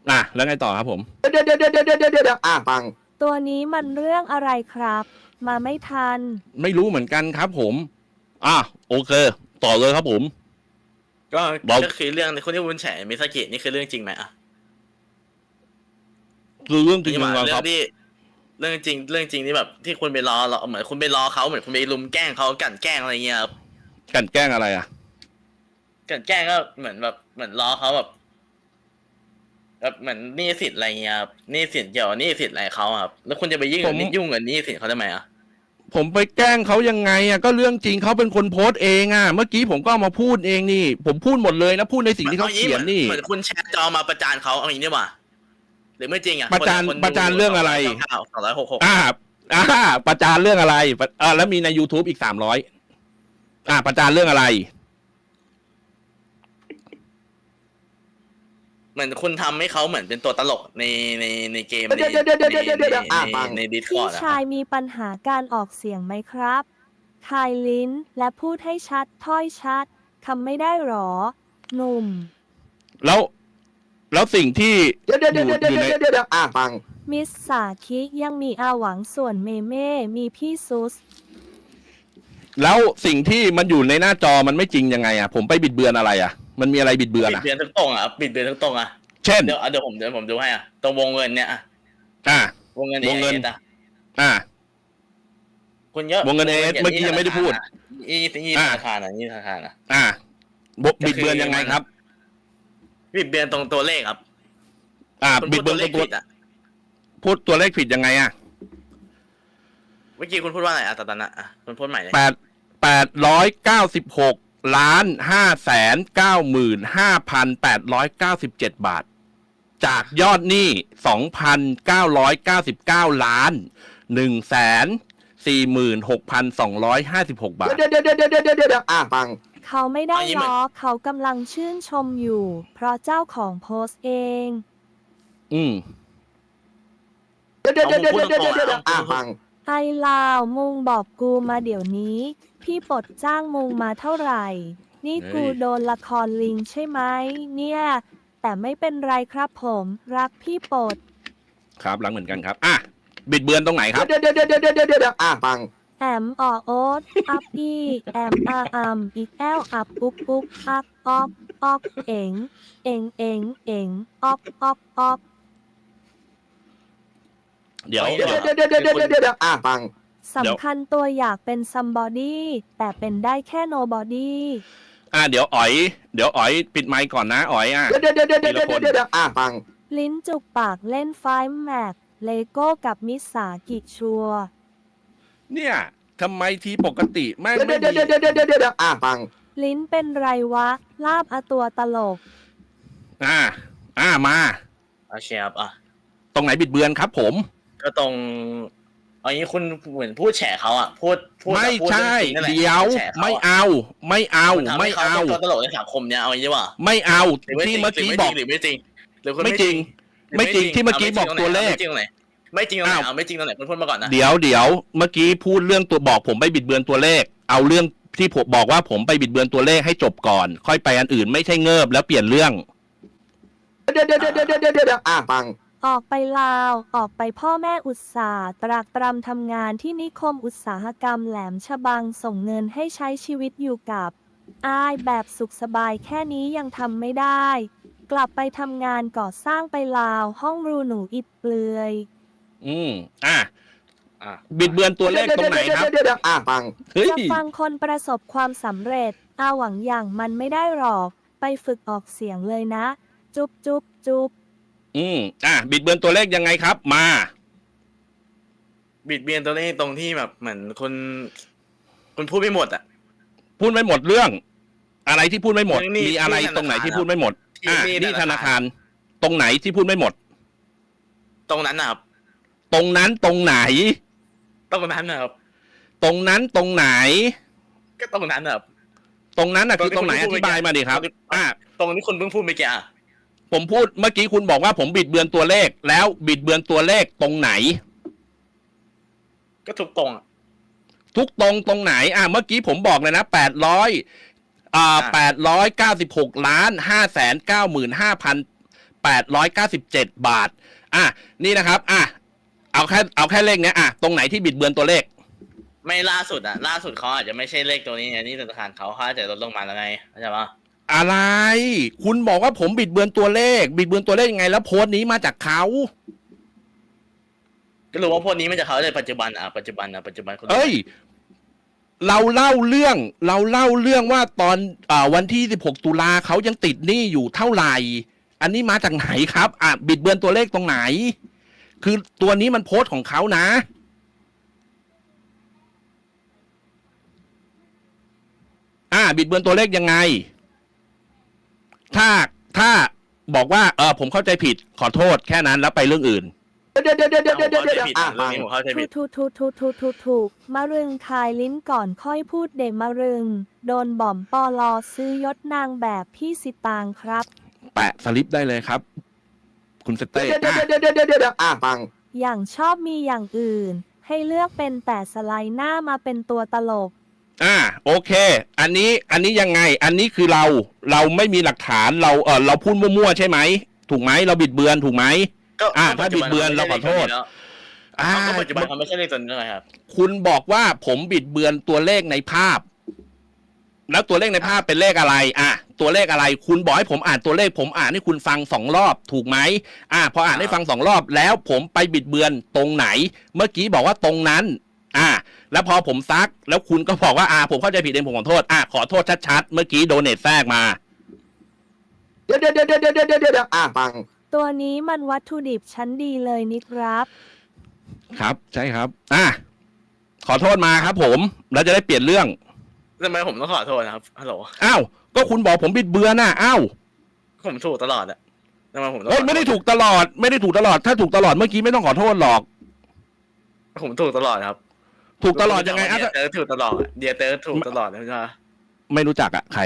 แล้วไงต่อครับผมเดี๋ยวฟังตัวนี้มันเรื่องอะไรครับมาไม่ทันไม่รู้เหมือนกันครับผมโอเคต่อเลยครับผมก็คือเรื่องคนที่วุ้นแฉมิซากินี่คือเรื่องจริงไหมคือเรื่องจริงครับครับเรื่องจริงที่แบบที่คุณไปรอเหมือนคุณไปรอเขาเหมือนคุณไปลุมแกล้งเขากันแกล้งอะไรเงี้ยครับกันแกล้งอะไรกันแกล้งก็เหมือนรอเขาแบบเหมือนหนี้สินอะไรเงี้ยครับหนี้สินเกี่ยวกับหนี้สินอะไรเขาครับแล้วคุณจะไปยุ่งกับหนี้สินเขาทำไมผมไปแกล้งเขายังไงก็เรื่องจริงเขาเป็นคนโพสต์เองเมื่อกี้ผมก็เอามาพูดเองนี่ผมพูดหมดเลยนะพูดในสิ่งที่เขาเขียนนี่เหมือนคุณแชร์จอมาประจานเขาเอาอย่างนี้ดีกว่าหรือไม่จริงประจานเรื่องอะไร 266 ประจานเรื่องอะไรแล้วมีใน YouTube อีก300ประจานเรื่องอะไรเหมือนคุณทำให้เขาเหมือนเป็นตัวตลกในเกมในดิสคอร์ดพี่ชายมีปัญหาการออกเสียงไหมครับคายลิ้นและพูดให้ชัดถ้อยชัดคำไม่ได้หรอหนุ่มแล้วสิ่งที่อยู่ในฟังมิสสาคิยังมีอาหวังส่วนเมเม่มีพี่ซุสแล้วสิ่งที่มันอยู่ในหน้าจอมันไม่จริงยังไงผมไปบิดเบือนอะไรมันมีอะไรบิดเบือนบิดเบือนทั้งตรงบิดเบือนทั้งตรงเช่นเดี๋ยวผมดูให้ตรงวงเงินเนี่ยวงเงินคุณเยอะวงเงินเมื่อกี้ยังไม่ได้พูดธนาคารนี่ธนาคารบิดเบือนยังไงครับบิดเบือนตรงตัวเลขครับบิดเบือนตรงพูดตัวเลขผิดยังไงเมื่อกี้คุณพูดว่าอะไรตอนนั้นคุณพูดใหม่เลย 896,595,897 บาทจากยอดหนี้ 2,999 ล้าน 146,256 บาทเดี๋ยวฟังเขาไม่ได้ล้อเขากำลังชื่นชมอยู่เพราะเจ้าของโพสต์เองเดี๋ยวฟังไอลาวมุงบอกกูมาเดี๋ยวนี้พี่ปลดจ้างมุงมาเท่าไหร่นี่กูโดนละครลิงใช่ไหมเนี่ยแต่ไม่เป็นไรครับผมรักพี่ปลดครับรักเหมือนกันครับบิดเบือนตรงไหนครับเดี๋ยวฟังแอมโอ๊ตอัพอีแอมอีกแอลอัพปุ๊กอักออกเอ็งออกเดี๋ยวฟังสำคัญตัวอยากเป็น somebody แต่เป็นได้แค่ nobody เดี๋ยวอ๋อยปิดไมค์ก่อนนะอ๋อยเดี๋ยวฟังลิ้นจุกปากเล่นไฟแม็กเลโก้กับมิสากิชัวเนี่ยทำไมทีปกติไม่ดีฟังลิ้นเป็นไรวะลาบตัวตลกมาเชียบตรงไหนบิดเบือนครับผมก็ตรงเอางี้คุณเหมือนพูดแฉเขาพูดไม่ใช่เดี๋ยวไม่เอาตัวตลกในสังคมเนี่ยเอาอย่างนี้ว่าไม่เอาที่เมื่อกี้บอกหรือไม่จริงหรือไม่จริงที่เมื่อกี้บอกตัวเลขไม่จริงตรงไหนไม่จริงตรงไหนคุณพูดมาก่อนนะเดี๋ยวเมื่อกี้พูดเรื่องตัวบอกผมไปบิดเบือนตัวเลขเอาเรื่องที่ผมบอกว่าผมไปบิดเบือนตัวเลขให้จบก่อนค่อยไปอันอื่นไม่ใช่เงิบแล้วเปลี่ยนเรื่องเดี๋ยวฟังออกไปลาวออกไปพ่อแม่อุตสาห์ตรากตรำทำงานที่นิคมอุตสาหกรรมแหลมฉบังส่งเงินให้ใช้ชีวิตอยู่กับแบบสุขสบายแค่นี้ยังทำไม่ได้กลับไปทำงานก่อสร้างไปลาวห้องรูหนูอิดเปลือยบิดเบือนตัวเลขตรงไหนครับฟังจะฟังคนประสบความสำเร็จหวังอย่างมันไม่ได้หรอกไปฝึกออกเสียงเลยนะจุ๊บบิดเบือนตัวเลขยังไงครับมาบิดเบือนตัวเลขตรงที่แบบเหมือนคุณพูดไม่หมดพูดไม่หมดเรื่องอะไรที่พูดไม่หมดมีอะไรตรงไหนที่พูดไม่หมดนี่ธนาคารตรงไหนที่พูดไม่หมดตรงนั้นนะครับตรงนั้นตรงไหนตรงนั้นนะครับตรงนั้นตรงไหนก็ตรงนั้นนะครับตรงนั้นคือตรงไหนอธิบายมาดิครับตรงที่คุณเพิ่งพูดไปแกผมพูดเมื่อกี้คุณบอกว่าผมบิดเบือนตัวเลขแล้วบิดเบือนตัวเลขตรงไหนก็ทุกตรงตรงไหนเมื่อกี้ผมบอกเลยนะ896,599,5,897 897 บาทนี่นะครับเอาแค่เลขเนี้ยตรงไหนที่บิดเบือนตัวเลขไม่ล่าสุดล่าสุดเขาอาจจะไม่ใช่เลขตัวนี้ไงนี่ธนาคารเขาอาจจะลดลงมาแล้วไงเข้าใจปะอะไรคุณบอกว่าผมบิดเบือนตัวเลขยังไงแล้วโพสต์นี้มาจากเขาก็รู้ว่าพวกนี้มันจะเขาในปัจจุบันปัจจุบันเอ้ยเราเล่าเรื่องว่าตอนวันที่16ตุลาเขายังติดหนี้อยู่เท่าไหร่อันนี้มาจากไหนครับบิดเบือนตัวเลขตรงไหนคือตัวนี้มันโพสต์ของเขานะบิดเบือนตัวเลขยังไงถ้าบอกว่าผมเข้าใจผิดขอโทษแค่นั้นแล้วไปเรื่องอื่นเดี๋ยวผมเข้าใจผิดถูกมะรึงคายลิ้นก่อนค่อยพูดเดมะรึงโดนบ่อมปอลอซื้อยศนางแบบพี่สิตางครับแปะสลิปได้เลยครับคุณสเต้ฟังอย่างชอบมีอย่างอื่นให้เลือกเป็นแต่สไลด์หน้ามาเป็นตัวตลกโอเคอันนี้ยังไงอันนี้คือเราไม่มีหลักฐานเราพูดมั่วๆใช่ไหมถูกไหมเราบิดเบือนถูกไหมถ้าบิดเบือนเราขอโทษปัจจุบันเขาไม่ใช่เลขตัวนี้เลยครับคุณบอกว่าผมบิดเบือนตัวเลขในภาพแล้วตัวเลขในภาพเป็นเลขอะไรตัวเลขอะไรคุณบอกให้ผมอ่านตัวเลขผมอ่านให้คุณฟัง2 รอบถูกไหมพออ่านให้ฟัง2 รอบแล้วผมไปบิดเบือนตรงไหนเมื่อกี้บอกว่าตรงนั้นแล้วพอผมซักแล้วคุณก็บอกว่าผมเข้าใจผิดเองผมขอโทษขอโทษชัดๆเมื่อกี้โดเนทแทรกมาเดี๋ยวฟังตัวนี้มันวัตถุดิบชั้นดีเลยนี่ครับครับใช่ครับขอโทษมาครับผมแล้วจะได้เปลี่ยนเรื่องทำไมผมต้องขอโทษนะครับฮัลโหลก็คุณบอกผมบิดเบือนผมถูกตลอดทำไมผมไม่ได้ถูกตลอดถ้าถูกตลอดเมื่อกี้ไม่ต้องขอโทษหรอกผมถูกตลอดครับถูกตลอดยังไงเตอร์ถูกตลอดเดียเตอร์ถูกตลอดใช่ไหมไม่รู้จักใคร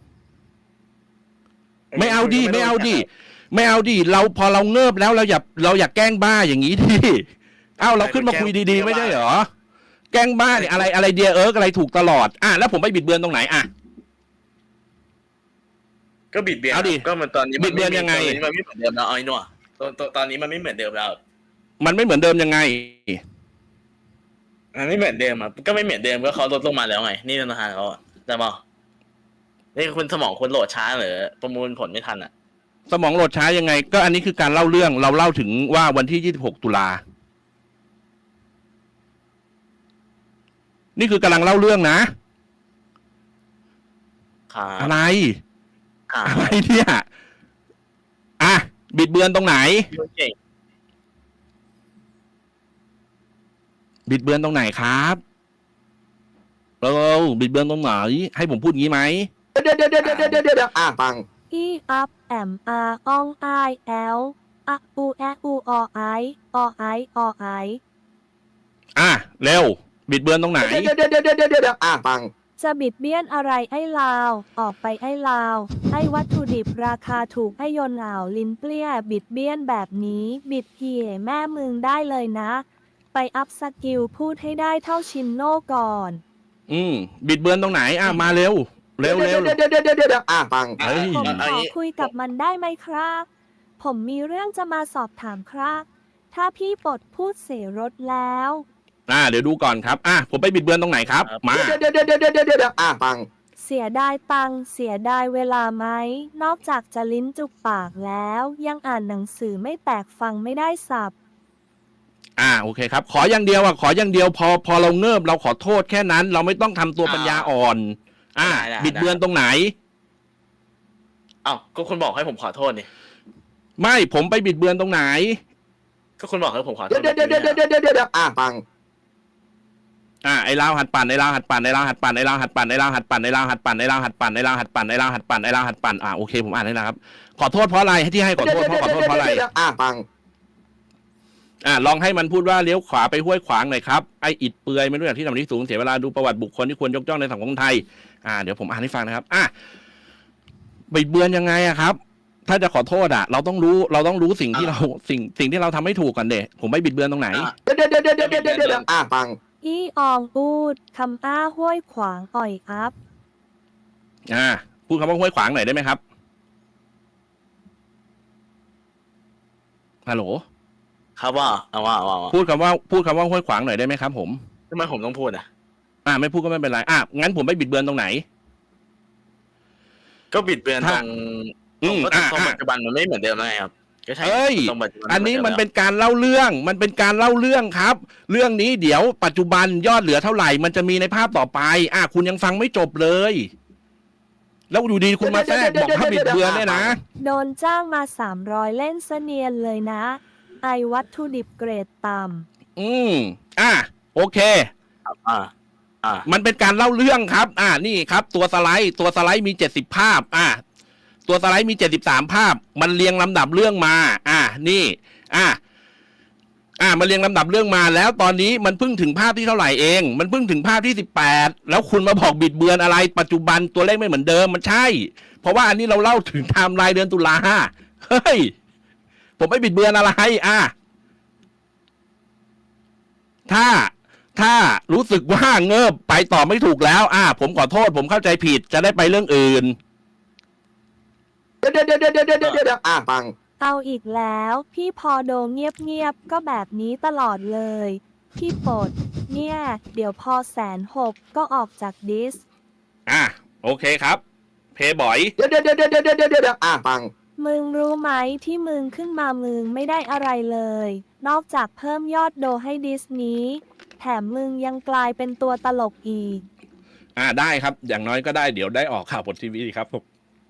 ไม่เอาดิเราพอเราเงิบแล้วเราอยากแกล้งบ้าอย่างนี้ดิเราขึ้นมาคุยดีๆไม่ใช่เหรอแกล้งบ้าเนี่ยอะไรเดียอะไรถูกตลอดแล้วผมไปบิดเบือนตรงไหนก็บิดเบือนก็มันตอนนี้บิดเบือนยังไงมันไม่เหมือนเดิมแล้วไอ้หน่ตอนนี้มันไม่เหมือนเดิมแล้วมันไม่เหมือนเดิมยังไงมันไม่เหมือนเดิมก็ไม่เหมือนเดิมก็เขาลดลงมาแล้วไงนี่ธนาคารเขาแต่บอกนี่คุณสมองคุณโหลดช้าหรือประมวลผลไม่ทันสมองโหลดช้ายังไงก็อันนี้คือการเล่าเรื่องเราเล่าถึงว่าวันที่26ตุลานี่คือกำลังเล่าเรื่องนะอะไรเนี่ยบิดเบือนตรงไหนบิดเบือนตรงไหนครับบิดเบือนตรงไหนให้ผมพูดงี้ไหมเดี๋ยวฟังอัพแอมอองไอแอลอูแออูอไอเร็วบิดเบือนตรงไหนเดี๋ยวฟังจะบิดเบี้ยนอะไรไอ้ลาวออกไปไอ้ลาวไอ้วัตถุดิบราคาถูกไอ้ยนลิ้นเปรี้ยบิดเบี้ยนแบบนี้บิดเพียแม่มึงได้เลยนะไปอัพสกิลพูดให้ได้เท่าชินโน่ก่อนบิดเบือนตรงไหนมาเร็วเดี๋ยวฟังผมขอคุยกับมันได้ไหมครับผมมีเรื่องจะมาสอบถามครับถ้าพี่ปลดพูดเสียรถแล้วเดี๋ยวดูก่อนครับผมไปบิดเบือนตรงไหนครับมาเดี๋ยวฟังเสียดายตังค์เสียดายเวลาไหมนอกจากจะลิ้นจุกปากแล้วยังอ่านหนังสือไม่แตกฟังไม่ได้สับโอเคครับขออย่างเดียวพอเราเงิบเราขอโทษแค่นั้นเราไม่ต้องทำตัวปัญญาอ่อนบิดเบือนตรงไหนก็คุณบอกให้ผมขอโทษนี่ไม่ผมไปบิดเบือนตรงไหนก็คุณบอกให้ผมขอโทษเดี๋ยวฟังไอ้ลาวหัดปั่นโอเคผมอ่านได้แล้วครับขอโทษเพราะอะไรที่ให้ขอโทษเพราะอะไรฟังลองให้มันพูดว่าเลี้ยวขวาไปห้วยขวางหน่อยครับไอ้อิดเปือยไม่รู้อย่างที่ทำที่สูงเสียเวลาดูประวัติบุคคลที่ควรยกย่องในสังคมไทยเดี๋ยวผมอ่านให้ฟังนะครับบิดเบือนยังไงครับถ้าจะขอโทษเราต้องรู้สิ่งที่เราสิ่งที่เราทำไม่ถูกก่อนเด็ผมไม่บิดเบือนตรงไหนเดี๋ยวฟังอีอองอูดคำห้วยขวางอ่อยอัพพูดคำว่าห้วยขวางหน่อยได้ไหมครับฮัลโหลครับว่าเอาว่าพูดคำว่าห้วยขวางหน่อยได้ไหมครับผมทำไมผมต้องพูดอ่ะไม่พูดก็ไม่เป็นไรงั้นผมไม่บิดเบือนตรงไหนก็บิดเบือนตรงอืมตรงปัจจุบันมันไม่เหมือนเดิมแล้วไงครับก็ใช่เอ้ยตรงปัจจุบัอันนี้มันเป็นการเล่าเรื่อง ครับ เรื่องนี้เดี๋ยวปัจจุบันยอดเหลือเท่าไหร่ มันจะมีในภาพต่อไป คุณยังฟังไม่จบเลย แล้วอยู่ดีคุณมาแทรกบอกว่าบิดเบือนเนี่ยนะโดนจ้างมา 300 เล่นเสเนียนเลยนะ ไอวัตถุดิบเกรดต่โอเค มันเป็นการเล่าเรื่องครับ นี่ครับ ตัวสไลด์มี70ภาพ ตัวสไลด์มี73ภาพ มันเรียงลำดับเรื่องมา นี่มันเรียงลำดับเรื่องมาแล้วตอนนี้มันเพิ่งถึงภาพที่เท่าไหร่เอง มันเพิ่งถึงภาพที่18แล้วคุณมาบอกบิดเบือนอะไร ปัจจุบันตัวเลขไม่เหมือนเดิมมันใช่ เพราะว่าอันนี้เราเล่าถึงไทม์ไลน์เดือนตุลาเฮ้ย ผมไม่บิดเบือนอะไรถ้ารู้สึกว่าเงิบไปต่อไม่ถูกแล้วผมขอโทษผมเข้าใจผิดจะได้ไปเรื่องอื่นเดี๋ยวฟังำเอาอีกแล้ว พี่พอโดเงียบๆก็แบบนี้ตลอดเลย พี่ปดเนี่ย เดี๋ยวพอ160,000ก็ออกจากดิสโอเคครับ เพย์บอยเดี๋ยวฟังมึงรู้ไหมที่มึงขึ้นมามึงไม่ได้อะไรเลย นอกจากเพิ่มยอดโดให้ดิสนี้ แถมมึงยังกลายเป็นตัวตลกอีกได้ครับ อย่างน้อยก็ได้เดี๋ยวได้ออกข่าวบนทีวีครับผม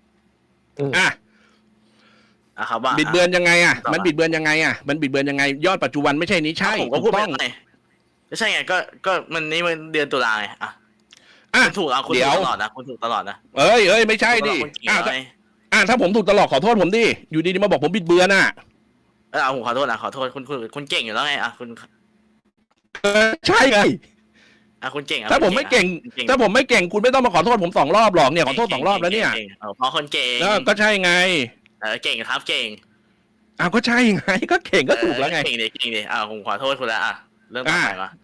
ครับว่าบิดเบือนยังไงมันบิดเบือนยังไงมันบิดเบือนยังไง ยอดปัจจุบันไม่ใช่นี้ใช่ผมก็พูดไปไงไม่ใช่ไงก็มันนี่มันเดือนตุลาไงคุณถูกคุณถูกตลอดนะคุณถูกตลอดนะเอ้ยไม่ใช่ดิถ้าผมถูกตลอดขอโทษผมดิอยู่ดีๆมาบอกผมบิดเบือนผมขอโทษนะขอโทษคุณเก่งอยู่แล้วไงคุณใช่ไงคุณเก่งถ้าผมไม่เก่งคุณไม่ต้องมาขอโทษผม2 รอบหรอกเนี่ยขอโทษ2 รอบแล้วเนี่ยเพราะคนเก่งก็ใช่ไงเก่งครับเก่งก็ใช่ไงก็เก่งก็ถูกแล้วไงเก่งดิผมขอโทษคุณแล้วเรื่องต่อไปมา